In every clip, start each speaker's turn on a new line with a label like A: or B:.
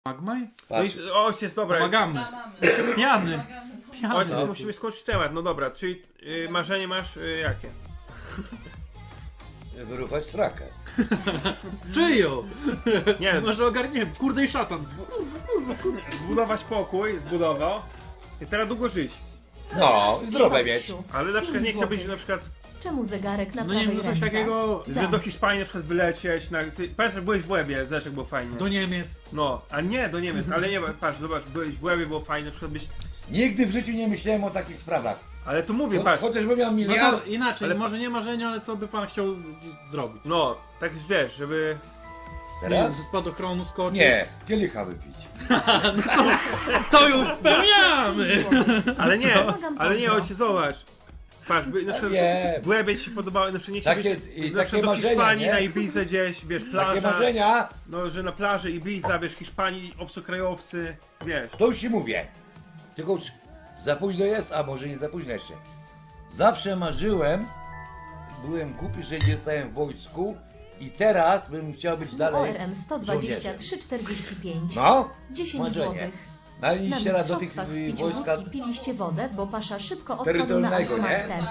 A: Magmaj?
B: No i ojciec, dobra.
A: Pomagamy. Pijany.
B: Ojciec, musimy skończyć temat. No dobra, czyli marzenie masz jakie?
C: Wyruchać strakę.
A: Czyją?
B: Nie,
A: Może ogarniemy. Kurde i szatan.
B: zbudować pokój, zbudował. I teraz długo żyć.
C: No, zdrowe mieć.
B: Ale na przykład nie chciałbyś na przykład,
D: Czemu zegarek na
A: No nie
D: prawej
A: wiem, coś
D: ręce?
A: takiego
B: że do Hiszpanii na przykład wylecieć. Pamiętasz, jak byłeś w Łebie, zobacz jak było fajnie.
A: do Niemiec.
B: No, a nie do Niemiec, ale nie, patrz, zobacz, byłeś w Łebie, było fajnie, na przykład byś...
C: Nigdy w życiu nie myślałem o takich sprawach.
B: Ale tu mówię, patrz.
C: Chociażbym miał
A: No
C: miliard.
A: to inaczej,
B: Ale-
A: może nie marzenia, ale co by pan chciał zrobić?
B: No, tak wiesz, żeby...
A: Nie wiem,
C: Teraz?
A: ze spadochronu skoczyć?
C: Nie, kielicha wypić.
A: To już spełniamy!
B: Ale nie,
D: Pomagam
B: ale nie,
D: pozdro.
B: ojciec, zobacz. Patrz, na przykład
C: wiem.
B: w Łebie ci się podobało, na przykład nie chciałbyś
C: Takie-
B: na
C: takie
B: przykład do
C: marzenia,
B: Hiszpanii,
C: nie?
B: na Ibizę gdzieś, wiesz,
C: Takie
B: plaża.
C: marzenia,
B: No, że na plaży Ibiza, wiesz, Hiszpanii, obcokrajowcy, wiesz.
C: to już ci mówię. Tylko już za późno jest, a może nie za późno jeszcze. Zawsze marzyłem, byłem głupi, że nie zostałem w wojsku i teraz bym chciał być dalej
D: ORM 123,45.
C: No,
D: 10
C: marzenie.
D: złotych.
C: Na
D: Na
C: liście raz do tych
D: mistrzostwach w piciu
C: wojska
D: wódki piliście wodę, bo pasza szybko odpadł na
C: terytorialnego, nie?
D: Master.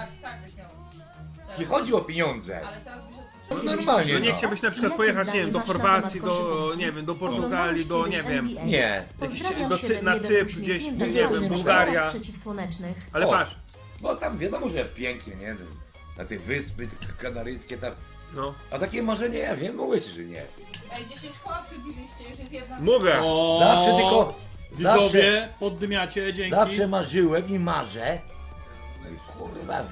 C: ci chodzi o pieniądze. No
D: Normalnie,
C: normalnie,
B: No nie
C: no.
B: chciałbyś na przykład
D: Jakie
B: pojechać, nie
D: zdanie
B: wiem, do
D: masz na
B: Chorwacji,
D: temat
B: do,
D: koszykówki?
B: nie wiem, do Portugalii, do, nie wiem.
D: NBA?
C: Nie.
D: Pozdrawiam
B: na
D: 7-1
B: Cypr, gdzieś,
D: uśmiechnięta
C: nie wiem,
D: twarz w
B: Bułgaria.
D: kolorach przeciwsłonecznych.
B: Ale
C: O.
B: patrz,
C: Bo tam wiadomo, że pięknie, nie? Na tych wyspy kanaryjskie tam.
B: no.
C: A takie marzenie, ja wiem, mówię ci, że nie.
E: Ej, 10 koła przybiliście, już jest jedna.
B: Mówię.
A: O,
C: Zawsze tylko,
A: Widzowie, poddymiacie, dzięki.
C: zawsze marzyłem i marzę. No i kurwa,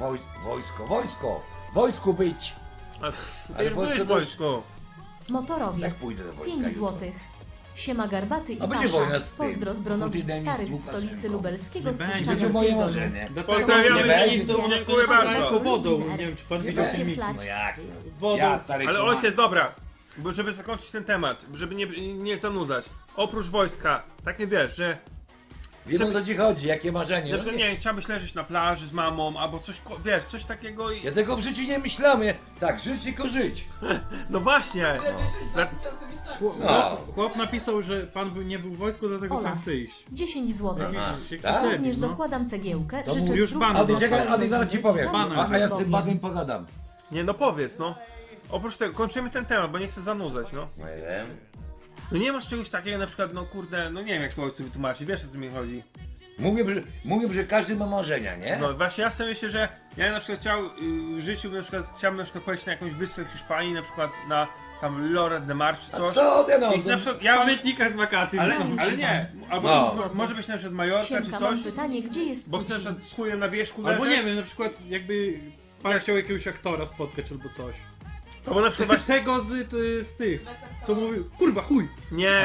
C: wojsku być.
B: Ale
C: Ale
B: już byłeś w
C: wojsko
B: wojsku.
D: Motorowiec.
C: Jak pójdę do wojska
D: 5
C: jutro?
D: złotych. Siema Garbaty i
C: A będzie
D: Pasza.
C: wojna z tym,
D: Pozdro z
C: z
D: Bronowic
C: Putinem i z
D: Starych w
C: Łukaszenką.
D: stolicy lubelskiego
A: Nie będzie.
D: spuszczania
C: Będzie moje
D: Pierdolu.
C: marzenie.
B: Pozdrawiamy
C: Nie
B: dzielnicę,
C: będzie.
B: dziękuję bardzo.
A: Wodą, nie wiem czy pan
C: Nie
A: widział
C: będzie.
A: filmik.
C: No jak?
A: Wodą.
C: Ja, stary
B: Ale
C: kuman.
B: ojciec, dobra, bo żeby zakończyć ten temat, żeby nie zanudzać. Oprócz wojska, tak nie wiesz, że
C: Wiem, o co ci chodzi, jakie marzenie.
B: na przykład, nie wiem, chciałbyś leżeć na plaży z mamą, albo coś, wiesz, coś takiego i...
C: Ja tego w życiu nie myślałem. Tak, żyć tylko żyć.
B: No właśnie!
E: Żeby żyć 2000 wystarczy.
C: No.
A: Chłop napisał, że pan nie był w wojsku, dlatego
D: Ola.
A: pan chce iść.
D: 10 złotych.
A: Jakiś
C: tak?
A: debil,
D: Również
A: no.
D: dokładam cegiełkę.
C: To
D: Życzę
A: już
D: zdrówka
A: bana
C: Ady,
D: dla
C: czekaj,
D: swojej
C: Ady, zaraz ci
D: rodziny.
C: powiem.
D: Dom
C: A ja z
D: Bogiem.
C: tym Badem pogadam.
B: Nie, no powiedz, no. Oprócz tego, kończymy ten temat, bo nie chcę zanudzać, no.
C: No nie wiem.
B: No nie masz czegoś takiego, na przykład, no kurde, no nie wiem jak to ojcu wytłumaczyć, wiesz o co mi chodzi.
C: Mówię, że każdy ma marzenia, nie?
B: No właśnie ja sobie myślę, że ja na przykład w życiu na przykład, chciałbym na przykład pojechać na jakąś wyspę w Hiszpanii, na przykład na tam Lloret de Mar czy
C: A
B: coś.
C: co ty no?
B: I na przykład ja
A: Pamiętnika z wakacji.
B: ale,
A: są.
B: ale nie, albo
C: No.
B: może być na przykład Majorka czy
D: Siemka, mam
B: coś,
D: pytanie, gdzie jest
B: bo chcę na
D: Putin?
B: przykład z chujem na wierzchu
A: Albo
B: leżeć.
A: nie wiem, na przykład jakby pan chciał jakiegoś aktora spotkać albo coś.
B: Albo na przykład właśnie,
A: Tego z tych, co mówił, kurwa chuj.
B: nie.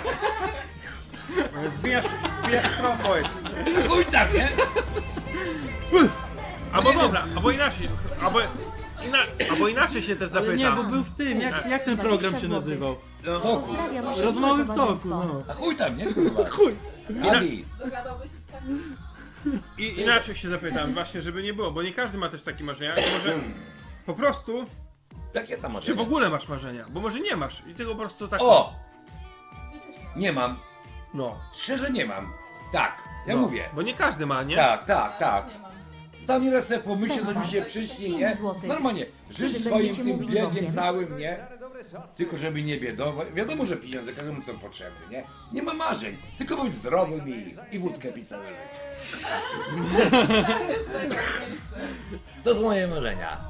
B: Zbijasz trochę jest.
C: Chuj tak, nie?
B: Albo dobra, albo inaczej, albo inaczej się też
A: Ale nie, bo
B: zapytam.
A: był w tym, jak ten program się nazywał?
C: W toku.
D: Pozdrawiam osiedle
A: Rozmowy w toku,
D: towarzystwo.
A: no.
C: A chuj tam, nie kurwa?
A: Chuj.
C: Adi,
E: Dogadałbyś się z takim?
B: I inaczej się zapytam, właśnie, żeby nie było, bo nie każdy ma też takie marzenia. I może po prostu,
C: jakie tam
B: czy
C: marzenia?
B: w ogóle masz marzenia? Bo może nie masz i tego po prostu tak.
C: O! Nie mam.
B: No.
C: Szczerze nie mam. Tak, ja
B: No,
C: mówię.
B: Bo nie każdy ma, nie?
C: Tak.
E: Ja też nie mam.
C: Tam nieraz sobie pomyślę, to mi się przyśni, nie?
D: 5 złotych.
C: Normalnie, żyć
D: Kiedy
C: swoim
D: będziecie
C: tym
D: mówić
C: biegiem
D: Bogiem?
C: całym, nie? Tylko żeby nie biedować. Wiadomo, że pieniądze każdemu są potrzebne, nie? Nie ma marzeń, tylko być zdrowym i wódkę pić całe życie.
E: To jest najważniejsze.
C: To są moje marzenia.